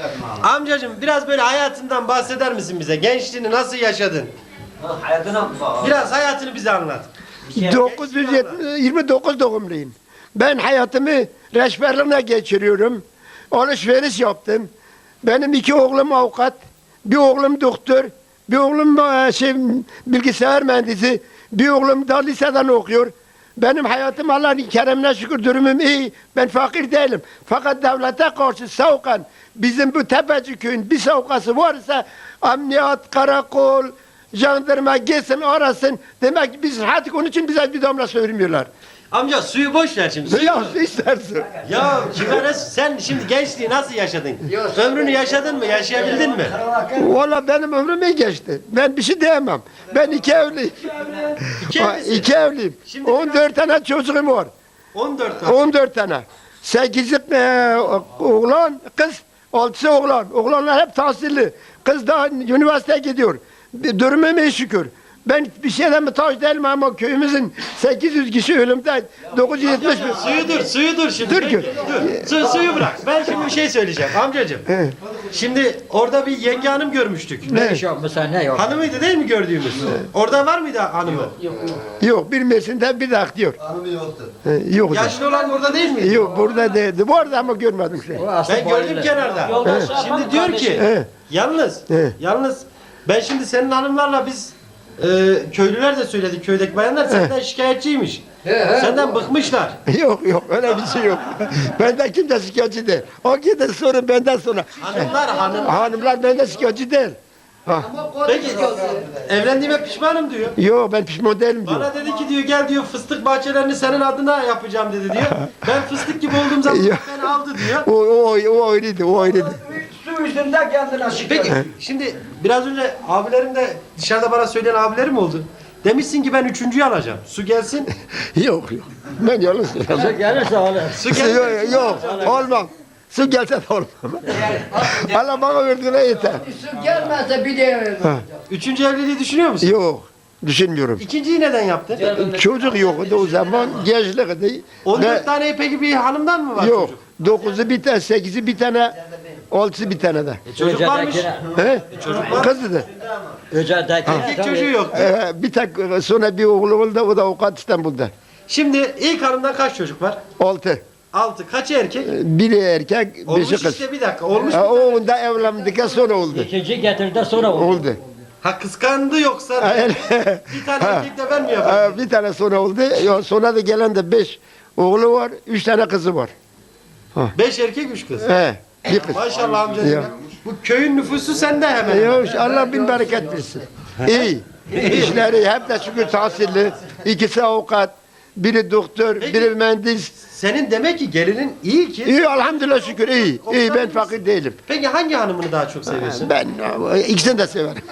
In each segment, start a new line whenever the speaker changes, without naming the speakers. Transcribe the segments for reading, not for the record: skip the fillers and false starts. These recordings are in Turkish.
Amcacığım biraz böyle hayatından bahseder misin bize? Gençliğini nasıl yaşadın? Biraz hayatını bize anlat.
929 doğumluyum. Ben hayatımı reçberliğine geçiriyorum. Alışveriş yaptım. Benim 2 oğlum avukat, bir oğlum doktor, bir oğlum bilgisayar mühendisi, bir oğlum da liseden okuyor. Benim hayatım Allah'ın keremine şükür durumum iyi. Ben fakir değilim. Fakat devlete karşı savukan bizim bu Tepeci köyün bir savukası varsa emniyet, karakol, jandarma gelsin arasın. Demek ki biz hadi onun için bize bir damla söylemiyorlar.
Amca suyu boş ver şimdi. Suyu
Ya
boş.
istersin.
Ya sen şimdi gençliği nasıl yaşadın? Ömrünü yaşadın mı? Yaşayabildin mi?
Valla benim ömrüm iyi geçti. Ben bir şey diyemem. Ben 2 evliyim. İki evliyim.
Şimdi
14 tane çocuğum var.
14 tane.
14 tane. 8'i oğlan, kız, 6'sı oğlan. Oğlanlar hep tahsilli. Kız da üniversiteye gidiyor. Durumum iyi şükür. Ben bir şeyden muhtaç değilim ama köyümüzün 800 kişi ölümde 970 bin.
Suyu dur şimdi.
Dur ki.
Dur. Suyu bırak. Ben şimdi bir şey söyleyeceğim amcacığım. Şimdi orada bir yenge hanım görmüştük.
Ne iş yapmışsın ne yok?
Hanımıydı değil mi gördüğümüz? Orada var mıydı hanımı?
Yok bir Mersin'de bir de diyor.
Hanımı yoktu.
Yok.
Yaşlı olan orada değil miydi?
Yok burada değildi. Vardı ama görmedim şey.
Ben gördüm kenarda. Şimdi diyor ki yalnız ben şimdi senin hanımlarla biz köylüler de söyledi, köydeki bayanlar senden şikayetçiymiş. Senden bıkmışlar.
Yok öyle bir şey yok. Benden kimse şikayetçi değil. O gidin sorun benden sonra. Hanımlar benden şikayetçi değil.
Peki evlendiğime pişmanım diyor.
Yok ben pişman değilim diyor.
Bana dedi ki diyor gel diyor fıstık bahçelerini senin adına yapacağım dedi diyor. Ben fıstık gibi olduğum zaman beni aldı diyor.
O öyleydi.
Su yüzünde kendine şikayet.
Peki şimdi biraz önce abilerim de dışarıda bana söyleyen abilerim oldu. Demişsin ki ben 3.'yü alacağım. Su gelsin.
Yok. Ben yalan söylüyorum.
Gelirse alır.
Su gelsin.
Yok olmam. Su gelse de olmam. Allah bana verdiğine yeter.
Su gelmezse bir de
Üçüncü evliliği düşünüyor musun?
Yok. Düşünmüyorum.
İkinciyi neden yaptın?
Çocuk yoktu o zaman. Gençlikti.
14 tane peki bir hanımdan mı var
Yok.
çocuk?
9'u bir tane, 8'i bir tane, 6'sı bir tane de.
Çocuk varmış.
He? Kızdı da.
Erkek çocuğu yok.
Bir tek sonra bir oğlu oldu, o da avukat İstanbul'da.
Şimdi ilk hanımdan kaç çocuk var?
6.
6. Kaçı erkek?
Biri erkek,
Olmuş
5'i kız.
işte bir dakika. Olmuş.
O da evlendikten sonra oldu.
İkinci getirdi sonra oldu.
Oldu.
Ha kıskandı yoksa bir tane erkek de ben mi yapayım?
Bir tane sonra oldu. Sonra da gelen de 5 oğlu var, 3 tane kızı var.
5 erkek 3 kız.
Bir kız.
Maşallah amcacığım.
Ya.
Bu köyün nüfusu sende hemen.
Ya Allah bin bereket versin. İyi. İşleri hep de şükür tahsilli. İkisi avukat, biri doktor, biri mühendis.
Senin demek ki gelinin iyi ki.
İyi elhamdülillah şükür iyi. İyi ben fakir değilim.
Peki hangi hanımını daha çok seviyorsun?
Ben ikisini de severim.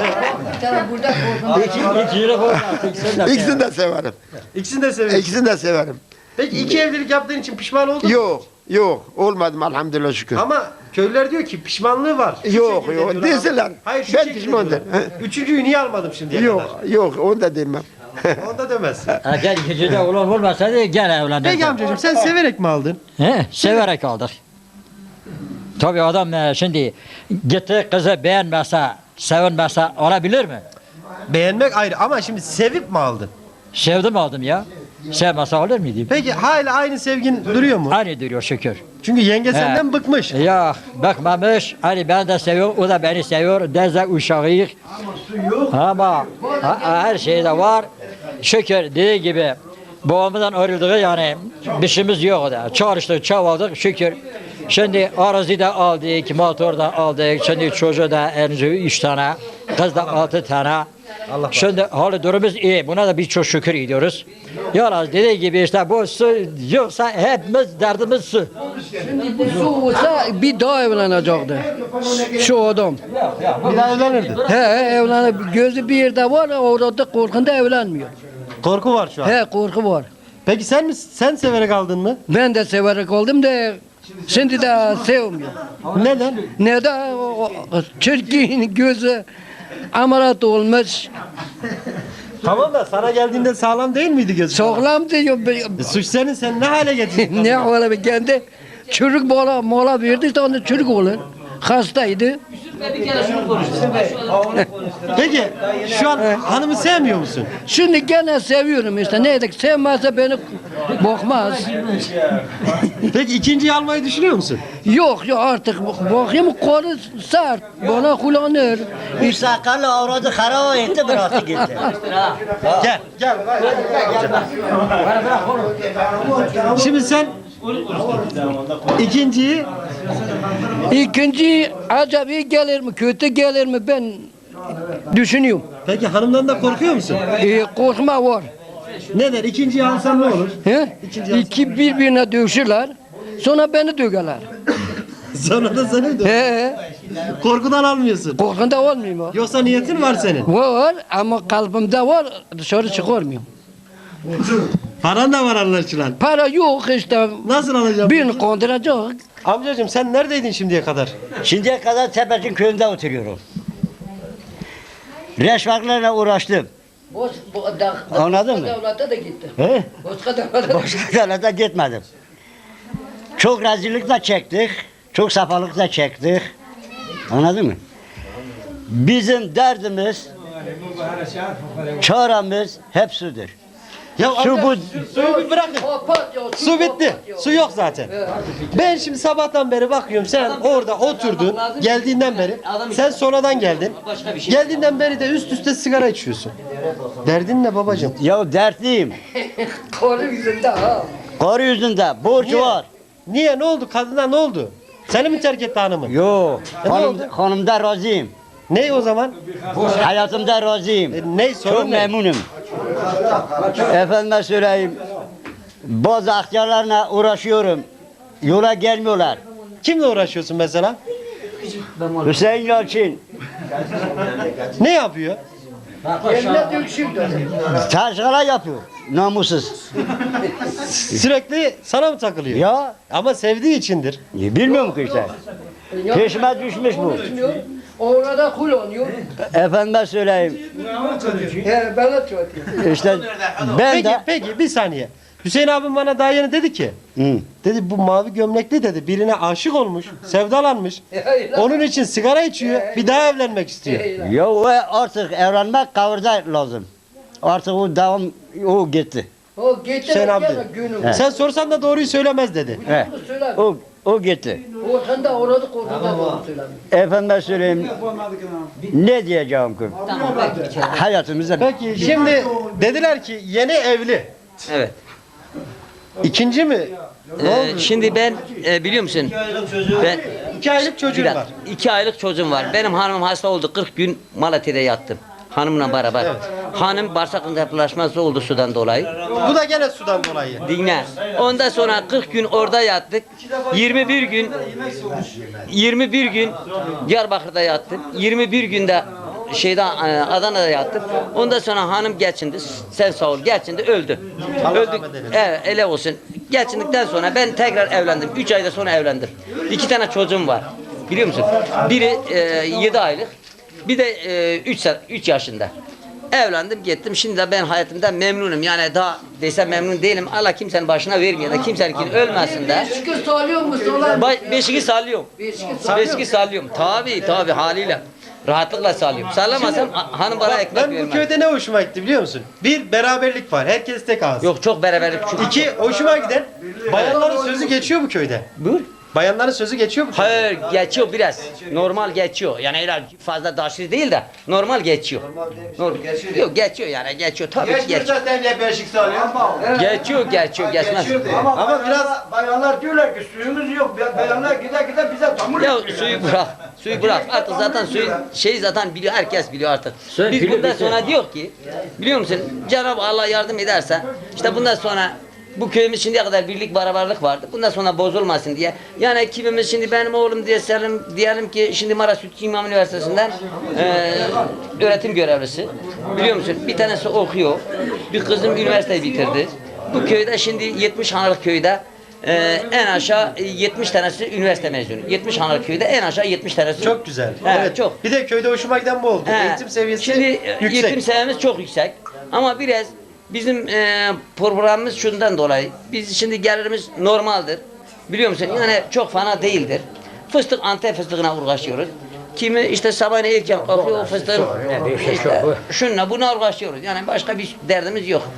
İkisini de severim.
İkisini de seviyorsun.
İkisini de severim.
Peki 2 evlilik yaptığın için pişman oldun mu?
Yok olmadım elhamdülillah şükür.
Ama köylüler diyor ki pişmanlığı var. Şu
Yok
şekilde diyorlar.
deseler.
Hayır şu
Ben
şekilde
pişman
diyorlar.
değilim.
Üçüncüyü niye almadım şimdiye
Yok onu da demem.
kadar? Onda demezsin.
Eğer ikinci de olan olmasaydı gene evlenirdi.
Peki amcacığım sen severek mi aldın?
He, severek aldık. Tabii adam şimdi gitti kızı beğenmezse, sevinmezse alabilir mi?
Beğenmek ayrı ama şimdi sevip mi aldın?
Sevdim aldım ya. Sevmezse alır mıydım?
Peki hala aynı sevgin duruyor mu?
Aynı duruyor şükür.
Çünkü yenge senden bıkmış.
Ya bakmamış, hani ben de seviyorum, o da beni seviyor, deze uşağıyız. Ama her şeyde var. Şükür dediği gibi babamızdan ayrıldığı yani bir şeyimiz yok da. Çalıştık, çabaladık şükür. Şimdi arazi de aldık, motor da aldık, şimdi çocuğu da elimize 3 tane, kız da 6 tane. Şimdi hali durumumuz iyi, buna da biz çok şükür ediyoruz. Yalnız dediği gibi işte bu su yoksa hepimiz derdimiz su.
Şimdi bu su olsa bir daha evlenecekti. Şu adam.
Bir daha evlenirdi.
Evlenip gözü bir yerde var, orada korkunda evlenmiyor.
Korku var şu an.
Korku var.
Peki sen severek aldın mı?
Ben de severek oldum da şimdi de sevmiyorum.
Neden?
Neden? Çirkin gözü ameliyat olmuş.
Tamam da sana geldiğinde sağlam değil miydi gözün?
Sağlam diyor.
Suç senin, sen ne hale getirdin?
Ne ola kendi çürük mola verdi de onu çürük olur. Hastaydı.
Peki şu an hanımı sevmiyor musun?
Şimdi gene seviyorum işte. Neydi? Sevmezse beni bakmaz.
Peki ikinciyi almayı düşünüyor musun?
Yok artık bakayım kolu sert. Bana kullanır.
Sakallı avradı harava etti bıraktı gitti.
Gel, gel. Şimdi sen ikinciyi
İkinci acaba iyi gelir mi kötü gelir mi ben düşünüyorum.
peki hanımdan da korkuyor musun?
Korkma var.
Ne der? İkinciyi alsan ne olur?
He? İki birbirine dövüşürler. Sonra beni dögerler.
Sonra da seni de
He.
korkudan almıyorsun.
Korkunda olmuyor mu?
Yoksa niyetin var senin.
Var ama kalbimde var dışarı çıkarmıyorum.
Paran da var anlaşılan.
Para yok işte.
Nasıl alacağım?
Birini kandıracak.
Amcacığım sen neredeydin şimdiye kadar?
Şimdiye kadar Tepecin köyünde oturuyorum. Reşvaklarla uğraştım. Anladın mı?
Devlete de gitti.
He?
Başka devlete
Başka devlete gitmedim. Çok rezillik de çektik. Çok safalık da çektik. Anladın mı? Bizim derdimiz, çaremiz hep sudur.
Ya
Su
amca,
bu
suyu bir bırakın. Su bitti. Su yok zaten. Ben şimdi sabahtan beri bakıyorum sen orada oturdun geldiğinden beri. Sen sonradan geldin. Geldiğinden beri de üst üste sigara içiyorsun. Derdin ne babacığım?
ya dertliyim.
Kolu yüzünde ha.
Karı yüzünde borç
Niye?
var.
Niye? Ne oldu? Kadına ne oldu? Seni mi terk etti hanımın?
Yo,
ne oldu?
hanımda razıyım.
Ne o zaman?
Hayatımda razıyım.
Ne
Çok
sorun ne?
memnunum. Efendime söyleyeyim. Bazı aktörlerle uğraşıyorum. Yola gelmiyorlar.
Kimle uğraşıyorsun mesela?
Hüseyin Yalçın.
Ne yapıyor?
Yerine dövüşürdü.
Taşkala yapıyor. Namussuz.
Sürekli sana mı takılıyor?
Ya
Ama sevdiği içindir.
bilmiyorum ki işte. Peşime düşmüş bu.
Orada kullanıyor.
Efendime söyleyeyim.
He bana çötüyor.
İşte ben
Peki,
de.
peki bir saniye. Hüseyin abim bana daha yeni dedi ki,
Hı.
dedi bu mavi gömlekli dedi birine aşık olmuş, sevdalanmış. Onun için sigara içiyor, bir daha evlenmek istiyor.
Ya o artık evlenmek kavurda lazım. Artık o devam o gitti.
O geçen
Hüseyin abi
gene
dedi.
günüm.
Sen sorsan da doğruyu söylemez dedi.
He.
Söyle.
O gitti.
Orkanda orada korkuda doğru söylemiyor.
Efendime söyleyeyim. Ne diyeceğim ki? Hayatımızda
Peki şimdi dediler ki yeni evli.
Evet.
İkinci mi?
Şimdi ben biliyor musun? Ben
2 aylık çocuğum
bir
var.
2 aylık çocuğum var. Benim hanımım hasta oldu. 40 gün Malatya'da yattım. Hanımla beraber. Hanım bağırsak entefalaşması oldu sudan dolayı.
Bu da gene sudan dolayı.
Dinle. Ondan sonra 40 gün orada yattık. 21 gün Diyarbakır'da yattım. 21 günde Adana'da yattım. Ondan sonra hanım geçindi. Sen sağ ol. Geçindi öldü.
Allah
Öldük.
rahmet eylesin.
Evet, öyle olsun. Geçindikten sonra ben tekrar evlendim. 3 ayda sonra evlendim. 2 tane çocuğum var. Biliyor musun? Biri 7 aylık. Bir de 3 yaşında. Evlendim gittim. Şimdi de ben hayatımdan memnunum. Yani daha desem memnun değilim. Allah kimsenin başına vermiyor da kimsenin ölmesin de.
Şükür sağlıyor mu solan?
Beşiği sallıyorum. Beşiği sallıyorum. Tabii haliyle. Rahatlıkla sallıyorum. Sallamasam hanım bana
Bak,
ekmek
ben bu
vermez.
köyde ne hoşuma gitti biliyor musun? Bir, beraberlik var. Herkes tek ağız.
Yok çok beraberlik. Çok.
2, hoşuma giden bayanların sözü geçiyor bu köyde.
Buyur.
Bayanların sözü geçiyor mu?
Hayır geçiyor biraz. Normal geçiyor. Yani öyle fazla daşlı değil de normal geçiyor. Normal. Yok geçiyor yani geçiyor tabii ki geçiyor.
zaten ya beşik sağlıyor.
Geçiyor geçmez.
Ama biraz
Bayanlar diyorlar ki suyumuz yok. Bayanlar gider bize tamur
Ya suyu bırak. Artık zaten suyun zaten biliyor herkes biliyor artık. Biz bundan sonra diyor ki biliyor musun Cenab-ı Allah yardım ederse işte bundan sonra bu köyümüz şimdiye kadar birlik beraberlik vardı. Bundan sonra bozulmasın diye. Yani kimimiz şimdi benim oğlum diyelim ki şimdi Maraş Sütçü İmam Üniversitesi'nden öğretim görevlisi. Biliyor musun? Bir tanesi okuyor. Bir kızım üniversiteyi bitirdi. Bu köyde şimdi 70 hanalık köyde en aşağı 70 tanesi üniversite mezunu. 70 hanalık köyde en aşağı 70 tanesi.
çok güzel.
Evet, çok.
Bir de köyde hoşuma giden bu oldu.
He.
Eğitim seviyesi
Şimdi
yüksek.
eğitim seviyemiz çok yüksek. Ama biraz bizim programımız şundan dolayı. Biz şimdi gelirimiz normaldir. Biliyor musun? Yani çok fena değildir. Fıstık Antep fıstığına uğraşıyoruz. Kimi işte sabahleyin ilk kalkıyor o fıstığın şunla buna uğraşıyoruz. Yani başka bir derdimiz yok.